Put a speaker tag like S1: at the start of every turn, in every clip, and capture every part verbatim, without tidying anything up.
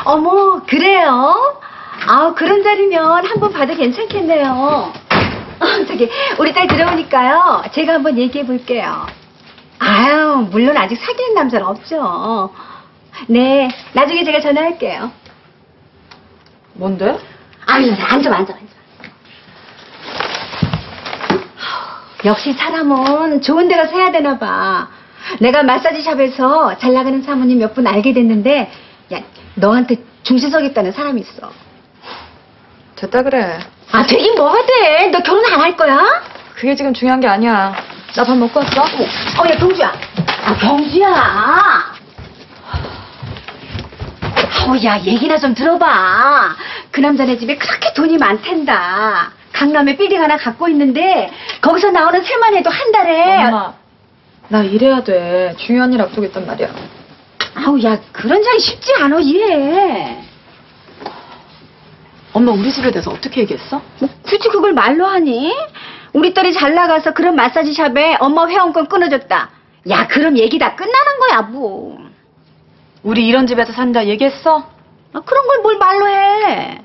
S1: 어머, 그래요? 아, 그런 자리면 한번 봐도 괜찮겠네요. 어, 저기, 우리 딸 들어오니까요. 제가 한번 얘기해 볼게요. 아유, 물론 아직 사귀는 남자는 없죠. 네, 나중에 제가 전화할게요.
S2: 뭔데?
S1: 아유, 앉아, 앉아, 앉아. 역시 사람은 좋은 데 가서 해야 되나 봐. 내가 마사지샵에서 잘 나가는 사모님 몇 분 알게 됐는데, 야, 너한테 중시 서겠다는 사람이 있어.
S2: 됐다 그래.
S1: 아, 되긴 뭐가 돼? 너 결혼 안 할 거야?
S2: 그게 지금 중요한 게 아니야. 나 밥 먹고 왔어?
S1: 어, 야, 경주야. 아, 경주야. 아우, 야, 얘기나 좀 들어봐. 그 남자네 집에 그렇게 돈이 많단다. 강남에 빌딩 하나 갖고 있는데 거기서 나오는 세만 해도 한 달에.
S2: 엄마, 나 일해야 돼. 중요한 일 앞두고 있단 말이야.
S1: 아우, 야, 그런 자리 쉽지 않아, 이해.
S2: 엄마 우리 집에 대해서 어떻게 얘기했어?
S1: 뭐 굳이 그걸 말로 하니? 우리 딸이 잘 나가서 그런 마사지샵에 엄마 회원권 끊어줬다. 야, 그럼 얘기 다 끝나는 거야, 뭐.
S2: 우리 이런 집에서 산다 얘기했어?
S1: 아, 그런 걸 뭘 말로 해.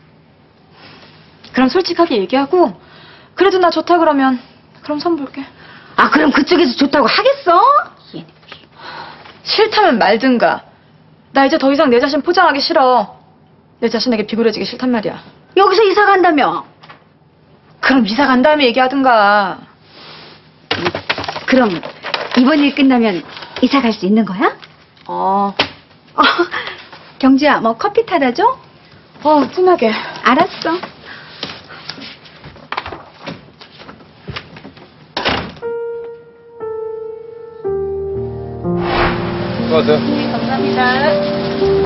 S2: 그럼 솔직하게 얘기하고 그래도 나 좋다 그러면 그럼 선 볼게.
S1: 아, 그럼 그쪽에서 좋다고 하겠어?
S2: 싫다면 말든가. 나 이제 더 이상 내 자신 포장하기 싫어. 내 자신에게 비굴해지기 싫단 말이야.
S1: 여기서 이사 간다며?
S2: 그럼 이사 간 다음에 얘기하든가.
S1: 그럼 이번 일 끝나면 이사 갈 수 있는 거야?
S2: 어.
S1: 어, 경주야, 뭐 커피 타다 줘?
S2: 어, 진하게.
S1: 알았어.
S3: 수고하세요.
S1: 네, 감사합니다.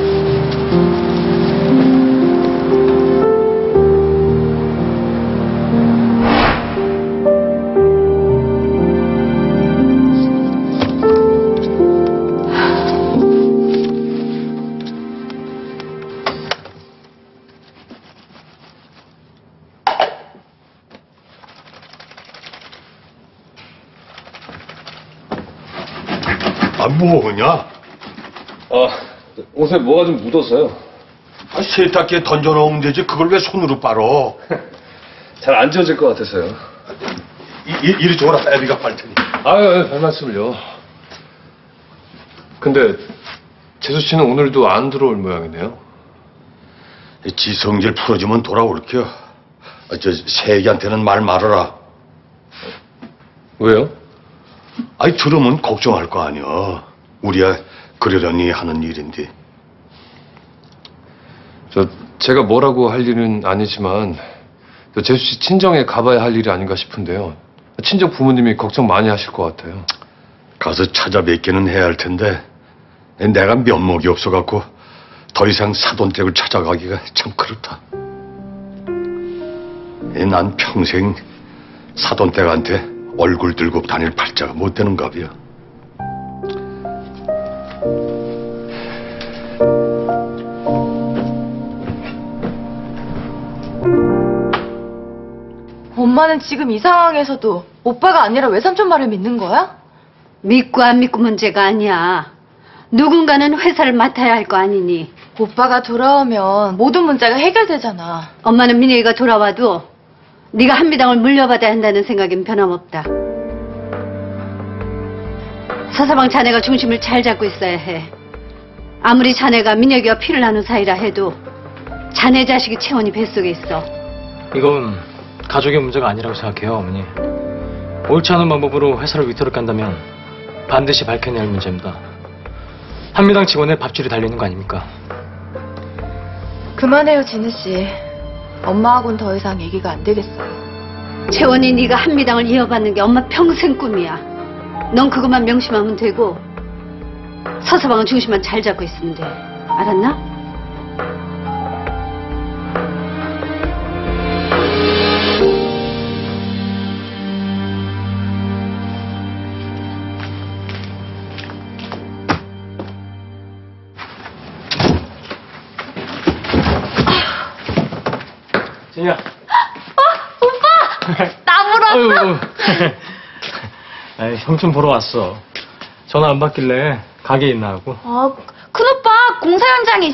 S3: 아, 뭐하냐?
S4: 아, 옷에 뭐가 좀 묻어서요.
S3: 아, 세탁기에 던져놓으면 되지. 그걸 왜 손으로 빨어?
S4: 잘 안 지워질 것 같아서요.
S3: 이, 이, 이리 줘라. 애비가 빨 테니.
S4: 아유, 별 말씀을요. 근데 재수 씨는 오늘도 안 들어올 모양이네요.
S3: 지성질 풀어주면 돌아올게요. 아, 저 세기한테는 말 말아라.
S4: 왜요?
S3: 아이, 들으면 걱정할 거 아니야. 우리야 그러려니 하는 일인데.
S4: 저 제가 뭐라고 할 일은 아니지만 저 재수 씨 친정에 가봐야 할 일이 아닌가 싶은데요. 친정 부모님이 걱정 많이 하실 것 같아요.
S3: 가서 찾아뵙기는 해야 할 텐데 내가 면목이 없어갖고 더 이상 사돈댁을 찾아가기가 참 그렇다. 난 평생 사돈댁한테 얼굴 들고 다닐 팔자가 못 되는 갑이야.
S2: 엄마는 지금 이 상황에서도 오빠가 아니라 외삼촌 말을 믿는 거야?
S1: 믿고 안 믿고 문제가 아니야. 누군가는 회사를 맡아야 할 거 아니니.
S2: 오빠가 돌아오면 모든 문제가 해결되잖아.
S1: 엄마는 민혁이가 돌아와도 네가 한미당을 물려받아야 한다는 생각엔 변함없다. 서서방 자네가 중심을 잘 잡고 있어야 해. 아무리 자네가 민혁이와 피를 나눈 사이라 해도 자네 자식이 채원이 뱃속에 있어.
S5: 이건 가족의 문제가 아니라고 생각해요, 어머니. 옳지 않은 방법으로 회사를 위태롭게 간다면 반드시 밝혀내야 할 문제입니다. 한미당 직원의 밥줄이 달리는 거 아닙니까?
S2: 그만해요, 진우 씨. 엄마하고는 더 이상 얘기가 안 되겠어요.
S1: 채원이 네가 한미당을 이어받는 게 엄마 평생 꿈이야. 넌 그것만 명심하면 되고 서서방은 중심만 잘 잡고 있으면 돼. 알았나?
S5: 진이야.
S1: 어? 오빠! 나 보러
S5: 아유, 아유, 형 좀 보러 왔어. 전화 안 받길래 가게에 있나 하고.
S1: 아, 큰오빠 공사 현장에